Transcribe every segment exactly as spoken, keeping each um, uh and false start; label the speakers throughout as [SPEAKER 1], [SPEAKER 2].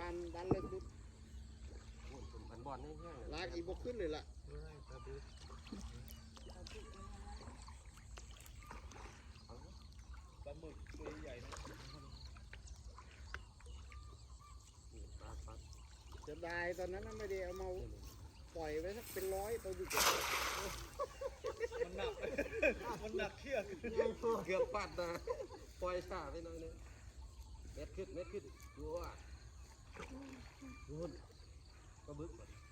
[SPEAKER 1] านดันเลยดุด
[SPEAKER 2] มันบอลแห้งๆ
[SPEAKER 1] ลากอีบกขึ้นเลยล่ะปลาหมึกตัวใหญ่นะจะได้ตอนนั้นไม่ได้เอามาปล่อยไว้สักเป็นร้อยตัวดุมันหนักมันหนักเขี้ย
[SPEAKER 2] เกือบปัดนะปล่อยสาไปหน่อยนึงเม็ดขึ้นเม็ดขึ้นดูว่าดูก็บึ้ง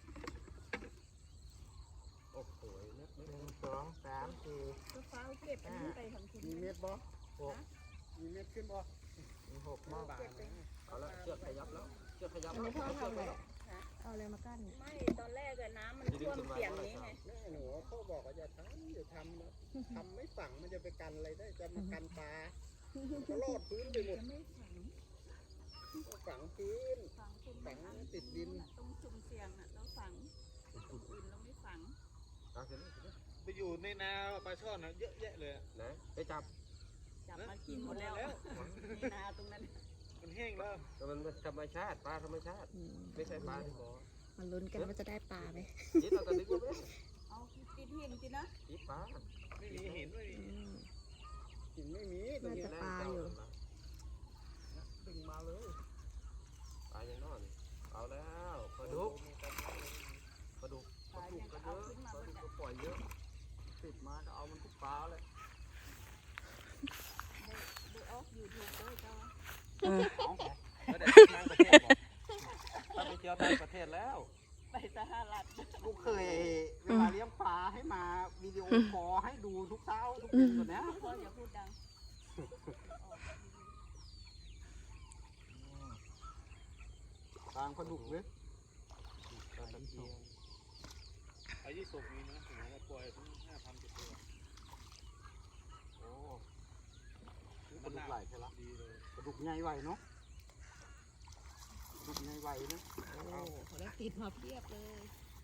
[SPEAKER 2] โอ้โหเม็ดเม็ดหนึ่งสองสามสี่
[SPEAKER 3] ก็ฟ้าเก็บอันนี้ไปทำคุณ
[SPEAKER 1] มีเม็ดบ่หกมีเม็ดขึ้นบ่
[SPEAKER 2] มีหกมากเอาละเชือกขยับแล้วเชือกขยับ
[SPEAKER 3] อันนี้พ่อทำอะไรเอาอะไรมากั้นไม่ตอนแรกอะน้ำมันท่วมเสียงนี้ไง
[SPEAKER 1] แม่หนูพ่อบอกว่าอย่าทำอย่าทำนะทำไม่ฝังมันจะไปกันอะไรได้จะมากันปลาก็รอดพื้นไปหมด
[SPEAKER 3] ไม่ฝัง
[SPEAKER 1] ฝังพื้น
[SPEAKER 3] ฝัง
[SPEAKER 1] ฝังติดดิน
[SPEAKER 3] ตรงชุมเสียงอะเราฝังตรงอื่นเราไม่ฝัง
[SPEAKER 1] ไปอยู่ในนาปลาช่อนนะเยอะแยะเลย
[SPEAKER 2] นะไปจับ
[SPEAKER 3] จับมากินหมดแล้วในนาตรงนั้น
[SPEAKER 1] มันแห้งแล้ว
[SPEAKER 2] แต่มันธรรมชาติปลาธรรมชาติไม่ใช่ปลาที่บ่อ
[SPEAKER 3] มันลุ้นกันว่าจะได้ปลาไหม
[SPEAKER 2] จิตเราตอนนี้ก็ไม่
[SPEAKER 3] เอาติดหินจินะ
[SPEAKER 2] จิตปลา
[SPEAKER 1] ไม่มีหินไม่มีหินไม่มี
[SPEAKER 3] น่าจะปลาอยู่
[SPEAKER 1] ดึงมาเลย
[SPEAKER 2] ปลาอย่างนอนเอาแล้วปลาดุกปลาดุกปลาดุกก็เยอะปลาดุกก็ปล่อยเยอะติดมาเอามันทุกปลาเลย
[SPEAKER 3] ดูออกยูทูบด้วยเจ้า
[SPEAKER 2] แล้วเดี๋ยวทางประเทศบอกถ้าไปเที่ยวต่างประเทศแล้ว
[SPEAKER 3] ไปสหรัฐ
[SPEAKER 1] ลูกเคยเวลาเลี้ยงปลาให้มาวิดีโอคอลให้ดูทุกเช้าทุกเย็นก่อนนะ
[SPEAKER 3] พ่ออย่าพูดดัง
[SPEAKER 1] ทางปลาดุกเลยไอ้ยี่สิบมีนะถึงจะปล่อยถึงห้าพันเจ็ดร้อยโอ้ปลาดุกไหลใช่ละดีเลยปลาดุกใหญ่ไหวเนาะปลาดุกใหญ่ไหวนะ
[SPEAKER 3] โอ้เขาได้ติดมาเพียบเลย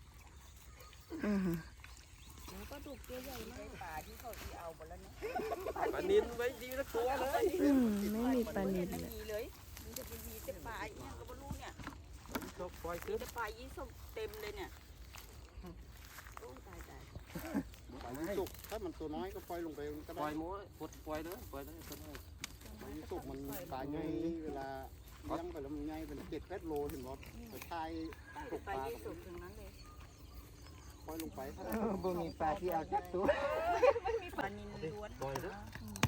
[SPEAKER 3] แล้วปลาดุกตัวใหญ่มากปลาที่เขาที่เอาหมดแล้วเนี่ย
[SPEAKER 2] ปลานิลไว้ดีละตัวเลย
[SPEAKER 3] ไม่มีปลานิลเลยมันจะเป็นมีแต่ปลาเนี่ยก็ไม่รู้เนี่ย
[SPEAKER 2] ปล่อยขึ้น
[SPEAKER 3] ปลายี่สกเต็มเลยเนี่ยโอ้ตายตาย
[SPEAKER 1] ปลายี่สกถ้ามันตัวน้อยก็ปล่อยลงไปก็ได้
[SPEAKER 2] ปล่อยม้วนปลดปล่อยเลยปล่อยเลยปล่อยเลย
[SPEAKER 1] ปลายี่สกมันปลาใหญ่เวลาเลี้ยงไปแล้วมันใหญ่เป็นเจ็ดแปดโลเห็นบ่ไปทายตกปลา
[SPEAKER 3] ยี่สกถึงนั้นเลย
[SPEAKER 1] ปล่อยลงไปถ้า
[SPEAKER 2] บ่มีปลาที่เอาจับตัว
[SPEAKER 3] ไม่มีปลานิลล้วน
[SPEAKER 2] ปล่อยเลย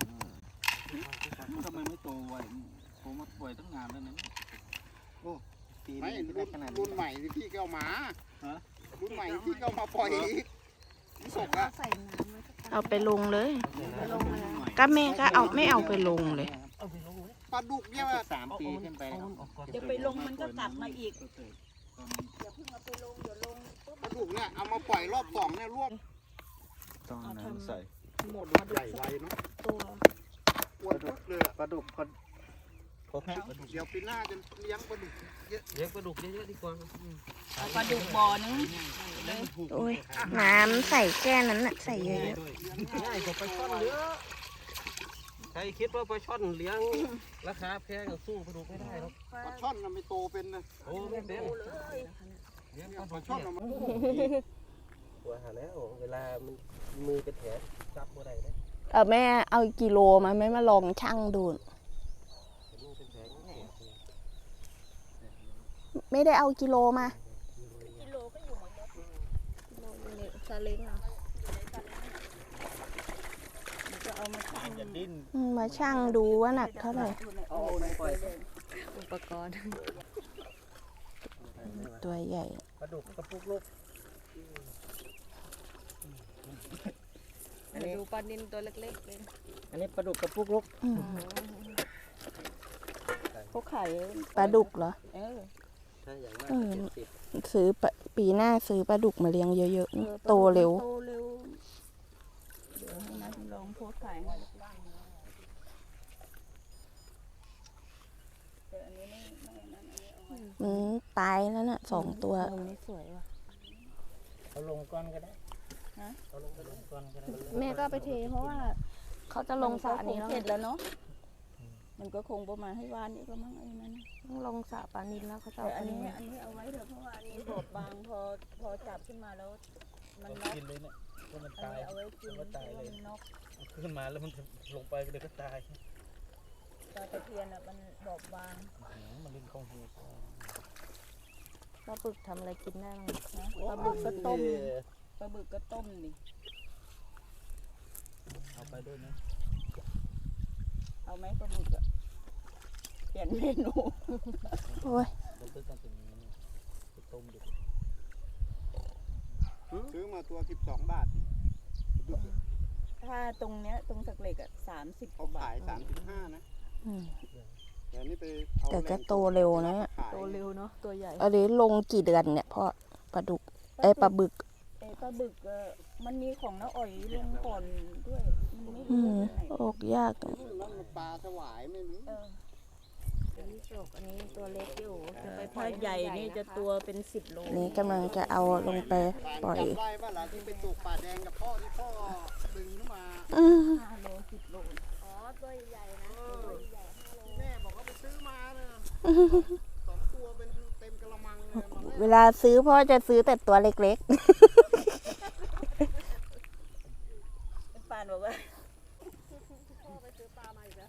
[SPEAKER 2] ทำไมไม่โตไวผมมาปล่อยตั้งนานแล้วนะโอ้
[SPEAKER 1] ไม่รุ่นใหม่ที่พี่ก็เอามารุ่นใหม่ที่ก็มาปล่อยยี่สกอะ
[SPEAKER 4] เอาไปลงเลยก็แม่ก็เอาไม่เอาไปลงเลย
[SPEAKER 1] ปลาดุกเนี่ย
[SPEAKER 2] สามปีขึ้นไป
[SPEAKER 3] เดี๋ยวไปลงมันก็กลับมาอีกอย่าเพิ่งเอาไปลงเดี๋ยวลง
[SPEAKER 1] ปลาดุกเนี่ยเอามาปล่อยรอบสองเนี่ยรวบ
[SPEAKER 2] ตอนนั้นใส่
[SPEAKER 1] หมดใหญ่ไวเนาะ
[SPEAKER 3] ตัว
[SPEAKER 1] อ้วนเลย
[SPEAKER 2] ปลาดุกคน
[SPEAKER 1] เดี๋ยวปีหน้าจะเลี้ยงปลาดุกเยอะ
[SPEAKER 2] เลี้ยงปลาดุกเยอะๆดีกว่า
[SPEAKER 3] ปลาดุกบ่อนึง
[SPEAKER 4] โอ้ยน้ำใส่แค่นั้นน่ะใส่เยอะ
[SPEAKER 2] ง่ายกว่าปลาช่อนเยอะใครคิดว่าปลาช่อนเลี้ยงราคาแพงสู้ปลาดุกไม่ได้หรอก
[SPEAKER 1] ปลาช่อนมันไม่โตเป็นนะ
[SPEAKER 2] โอ้ไม่เป็น
[SPEAKER 1] เลี้ยงปลาช่อนมัน
[SPEAKER 2] ตัวหาแล้วเวลามันมือเป็นแผลจับบ่ได้เลย
[SPEAKER 4] เออแม่เอากิโลมาไม่มาลองชั่งดูไม่ได้เอากิโลมา
[SPEAKER 3] กิโลก็อยู่หมดแล้วกิโลนี่ซาเล้งอ่ะจะเอามาชั่ง
[SPEAKER 4] มาชั่งดูว่าหนักเท่าไหร่
[SPEAKER 3] อุปกรณ์
[SPEAKER 4] ตัวใหญ่
[SPEAKER 2] ปลาดุกกระปุกลูก
[SPEAKER 3] อันนี้ดูปลานิลตัวเล็กๆเลย
[SPEAKER 2] อันนี้ปลาดุกกระปุกลูก
[SPEAKER 3] เขาขาย
[SPEAKER 4] ปลาดุกเหรอ
[SPEAKER 3] เออ
[SPEAKER 4] เออซื้อปีหน้าซื้อปลาดุกมาเลี้ยงเยอะๆโตเร็ว
[SPEAKER 3] โตเร็วเดี๋ยวให้นัดลองโพสขาย
[SPEAKER 4] อืมตายแล้วน่ะสองตัว
[SPEAKER 3] นี่สวยว่ะ
[SPEAKER 2] เอาลงก้อนก็ได้เอาลงไปลงก้อนก็ได้
[SPEAKER 4] แม่ก็ไปเทเพราะว่าเขาจะลงสระนี้
[SPEAKER 3] เสร็จแล้วเนาะมันก็คงประมาณให้วานนี่ก็มั่งไอ้นั่น
[SPEAKER 4] ต้องลงสระปลานิลแล้วเขาจะ
[SPEAKER 3] แต่
[SPEAKER 4] เอา
[SPEAKER 3] อัน
[SPEAKER 4] ปลา
[SPEAKER 3] นี้
[SPEAKER 4] นิล
[SPEAKER 3] อันนี้เอาไว้เถอะเพราะว่าอันนี้บอบบางพอพอจับขึ้นมาแล้ว มัน
[SPEAKER 1] ต้อง
[SPEAKER 3] น็อก
[SPEAKER 1] กินเลยเนี่ยเพราะมัน
[SPEAKER 3] อัน
[SPEAKER 1] ตาย
[SPEAKER 3] นี้เอาไว้กิน
[SPEAKER 1] มัน
[SPEAKER 3] เพ
[SPEAKER 1] ก็
[SPEAKER 3] ราะ
[SPEAKER 1] ตาย
[SPEAKER 3] ว่า
[SPEAKER 1] เลย
[SPEAKER 3] มันน็อก
[SPEAKER 1] ขึ้นมาแล้วมันลงไปเดี๋ยวก็ตาย
[SPEAKER 3] ปลาตะเพียนอ่ะมันบอบบาง
[SPEAKER 1] มันเล่นข้องหู
[SPEAKER 4] ปลาบึกทำอะไรกินได้บ้าง
[SPEAKER 3] นะปลาบึกก็ต้มปลาบึกก็ต้มนี่
[SPEAKER 1] เอาไปด้วยนะ
[SPEAKER 3] เอาไหมปลาบึกอ่ะเปลี่ยนเมนู
[SPEAKER 4] โอ้ย
[SPEAKER 1] มันต้องการเป็นอย่างนี้ไปต้มดิ
[SPEAKER 2] ซื้อมาตัวสิบสองบาท
[SPEAKER 3] ถ้าตรงเนี้ยตรงสักเหล็กอ่ะสามสิบ
[SPEAKER 2] เขาขายสามสิบห้านะ
[SPEAKER 4] อืม
[SPEAKER 2] เดี๋ยวนี้ไปเอา
[SPEAKER 4] แต่ก็โตเร็วนะเนี่ย
[SPEAKER 2] ขาย
[SPEAKER 3] โตเร็วเนาะตัวใหญ่
[SPEAKER 4] อันนี้ลงกี่เดือนเนี่ยพ่อปลาดุกเอ้ยปลาบึก
[SPEAKER 3] เอ้ปลาบึกเออมันมีของน้าอ่อยลงก่อนด้วย มันไม่
[SPEAKER 4] อื
[SPEAKER 3] รู้
[SPEAKER 4] ม
[SPEAKER 3] ว่าตัวไหน
[SPEAKER 4] ออกยาก
[SPEAKER 2] รุ่นนั้นมันปลาสวายไม่รู้
[SPEAKER 3] เออ
[SPEAKER 4] อันนี้จกอันนี้ตัวเล็กอยู่
[SPEAKER 3] ถ้าใหญ่นี่จะตัวเป็นสิบโล
[SPEAKER 4] นี้กำลังจะเอาลงไปปล่อย
[SPEAKER 2] จำได้ว่าหลานที่ไปตกป่าแดงกับพ่อที่พ่อดึงขึ้นมา
[SPEAKER 4] อืม
[SPEAKER 3] ห้าโลสิบโล
[SPEAKER 5] อ๋อตัวใหญ่นะ
[SPEAKER 2] เออ
[SPEAKER 5] ตัวใหญ่ห้าโล
[SPEAKER 2] แม่บอกว่าไปซื้อมาเนี่ยสองตัวเป็นเต็มกระมังเลยมา
[SPEAKER 4] เวลาซื้อพ่อจะซื้อแต่ตัวเล็ก
[SPEAKER 3] ปานบอกว่า
[SPEAKER 5] พ่อไปซื้อปลามาอีกแล้ว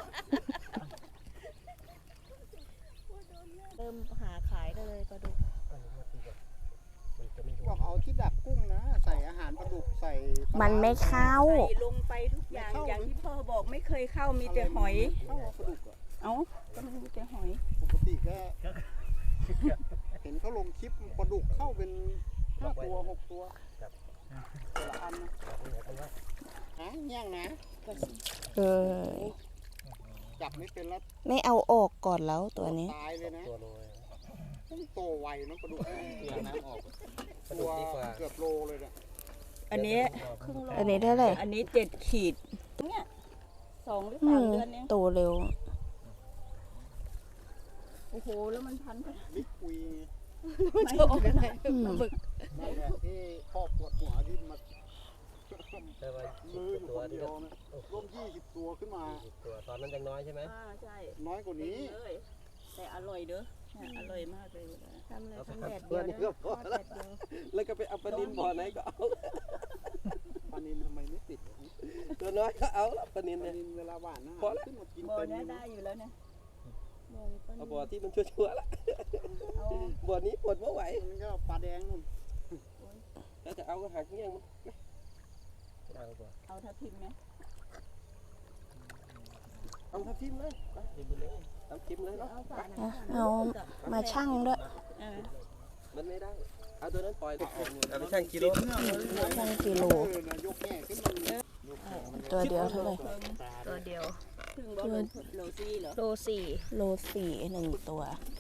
[SPEAKER 4] ๆ เริ่มหาขายได้เลยปลาดุก
[SPEAKER 1] มันจะไม่
[SPEAKER 2] บอกเอาที่ดักกุ้งนะ ใส่อาหารปลาดุกใส่ปลาร้า
[SPEAKER 4] มันไม่เข้า
[SPEAKER 3] ใส่ลงไปทุกอย่าง
[SPEAKER 2] ไม่เข้า
[SPEAKER 3] อย่างที่พ่อบอกไม่เคยเข้ามีแต่หอย
[SPEAKER 2] เข้าปลาดุกอะ
[SPEAKER 3] เอ้าก็มีแต่หอย
[SPEAKER 2] ปกติก็เห็นเขาลงคลิปปลาดุกเข้าเป็นห้าตัวหกตัวแต่ละอันนะฮะเงี้ยงนะ
[SPEAKER 4] เออ
[SPEAKER 2] จับไม่เป็นแล้ว
[SPEAKER 4] ไม่เอาออกก่อนแล้วตัวนี้
[SPEAKER 2] ตายเลยนะ
[SPEAKER 1] ตัวโลย
[SPEAKER 2] ต้องโตไวนะปลาดุก
[SPEAKER 1] เตียงน้ำออก
[SPEAKER 2] ตัวเกือบโลเลยเนี่ย
[SPEAKER 3] อันนี้
[SPEAKER 4] ครึ่งโลอันนี้เท่าไหร่
[SPEAKER 3] อันนี้เจ็ดขีดเนี่ยสองหรือ
[SPEAKER 4] อื
[SPEAKER 3] สาม
[SPEAKER 4] ม
[SPEAKER 3] เดือนเอง
[SPEAKER 4] โตเร็ว
[SPEAKER 3] โอ้โหแล้วมันพันกัน
[SPEAKER 2] บิ๊กคุย
[SPEAKER 3] ไม่ใช่
[SPEAKER 4] อืม
[SPEAKER 3] บึก
[SPEAKER 2] นั่นแหละที่พ่อปวดหัวที่มา
[SPEAKER 1] แต่ว่า
[SPEAKER 2] ลืมคนเดียวนะร่วมยี่สิบตัวขึ้นมา
[SPEAKER 1] ตัวตอนนั้นยังน้อยใช่ไหม
[SPEAKER 3] อ่าใช่
[SPEAKER 2] น้อยกว่านี้
[SPEAKER 3] เลยแต่อร่อยเด้อเนี่ยอร่อยมากเลยนะ
[SPEAKER 4] ทำเลยทำแดด
[SPEAKER 1] เพื่
[SPEAKER 4] เดี
[SPEAKER 1] อย น
[SPEAKER 4] ว
[SPEAKER 1] นี่ก็พอ
[SPEAKER 4] ทอด
[SPEAKER 1] แล้
[SPEAKER 4] แด
[SPEAKER 1] ว
[SPEAKER 4] ดเดียว
[SPEAKER 1] แล้วก็ไปเอาปลานินบ่อไหนก็เอา
[SPEAKER 2] ปลานินทำไมไม่ติด
[SPEAKER 1] ตัวน้อยก็เอาละปลานิน
[SPEAKER 2] ปลา
[SPEAKER 1] เนี่ย
[SPEAKER 2] นินเวลาหวานนะ
[SPEAKER 1] พอแล้ว
[SPEAKER 2] ขึ้นมากิน
[SPEAKER 3] บ่อ
[SPEAKER 2] เต็ม
[SPEAKER 3] เนี้ย
[SPEAKER 2] เลย
[SPEAKER 3] ได้
[SPEAKER 2] นะ
[SPEAKER 3] อยู่แล้วเนี่ย
[SPEAKER 1] เอาบ่อที่มันชั่วๆละ
[SPEAKER 3] เอา
[SPEAKER 1] บ่อนี้ปวดไม่ไหว
[SPEAKER 2] มันก็ปลาแดงนู่น
[SPEAKER 1] แล้วจะเอาก็หักเงี้ยงมันเอาบ่
[SPEAKER 3] เอาทับทิมไหม
[SPEAKER 1] เอาทับทิมเลยไปทิมไปเลยเอาทิมเลยเนาะ
[SPEAKER 3] เอาฝาไหน
[SPEAKER 4] อ่ะเอามาชั่งด้วย
[SPEAKER 3] เออ
[SPEAKER 1] มันไม่ได้ เอาตัวนั้นปล่อยเอาไปชั่งกิโล
[SPEAKER 4] ชั่งกิโล
[SPEAKER 2] เออนะยกแง่ขึ้นมาเลย
[SPEAKER 4] ตัวเดียวเท่าไหร่
[SPEAKER 3] ตัวเดียวถึงบ่โลโลซี่เหรอ
[SPEAKER 4] โลสี่โลสี่หนึ่งตัว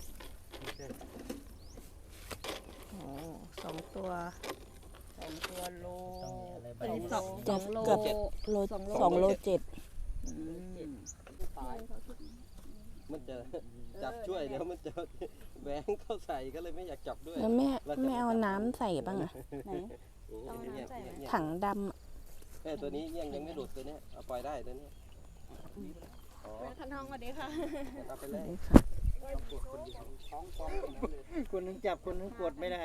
[SPEAKER 4] โอ้สองตัว
[SPEAKER 3] สองตัวโล
[SPEAKER 1] เอ้ย
[SPEAKER 3] สอง
[SPEAKER 4] จะ
[SPEAKER 3] โล
[SPEAKER 4] เกือบโลสองโลเจ็ด
[SPEAKER 2] ตาย
[SPEAKER 1] มันจะจับช่วยเดี๋ยวมันจะแหวงเข้าใส่ก็เลยไม่อยากจับด้วย
[SPEAKER 4] แล้วแม่ไม่เอาน้ำใส่บ้างอะ
[SPEAKER 3] ไหน
[SPEAKER 4] ถังดำอะ
[SPEAKER 1] เอ้ยตัวนี้ยังยังไม่หลุดตัวเนี้ยเอาปล่อยได้ตัวเนี้ยอ๋อ
[SPEAKER 5] แม่คันทองสวัสดีค่ะ
[SPEAKER 1] เอาไปเลย
[SPEAKER 2] ท้องฟองอย่างนั้นเลย
[SPEAKER 6] คนนึงจับคนนึงกดไม่ได้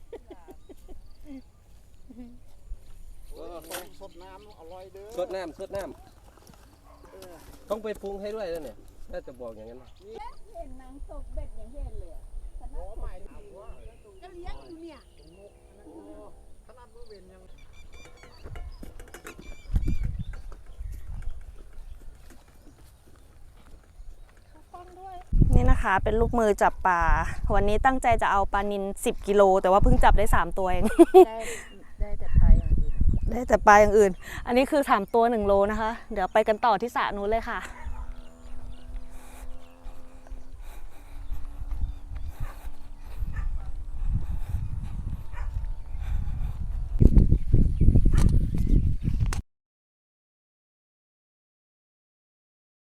[SPEAKER 2] เออสดน้ำอร่อยเด้อ
[SPEAKER 1] สดน้ำสดน้ำต้องไปปรุงให้ด้วยแล้วเนี่ยน่าจะบอกอย่างนั้นนะ
[SPEAKER 3] เห็นนางตกเบ็ดอย่างเห็นเลยอะ
[SPEAKER 2] โอ้ใหม่ถามว่า
[SPEAKER 5] ก็เลี้ยงอยู่เนี่ย
[SPEAKER 2] ขนาดมือเวนยัง
[SPEAKER 7] นี่นะคะเป็นลูกมือจับปลาวันนี้ตั้งใจจะเอาปลานิลสิบกิโลแต่ว่าเพิ่งจับได้สามตัวเอง
[SPEAKER 3] ได้ได้แต่ปลาอย่างอื่น
[SPEAKER 7] ได้แต่ปลาอย่างอื่น อันนี้คือสามตัวหนึ่งโลนะคะ เดี๋ยวไปกันต่อที่สระนู้นเลยค่ะ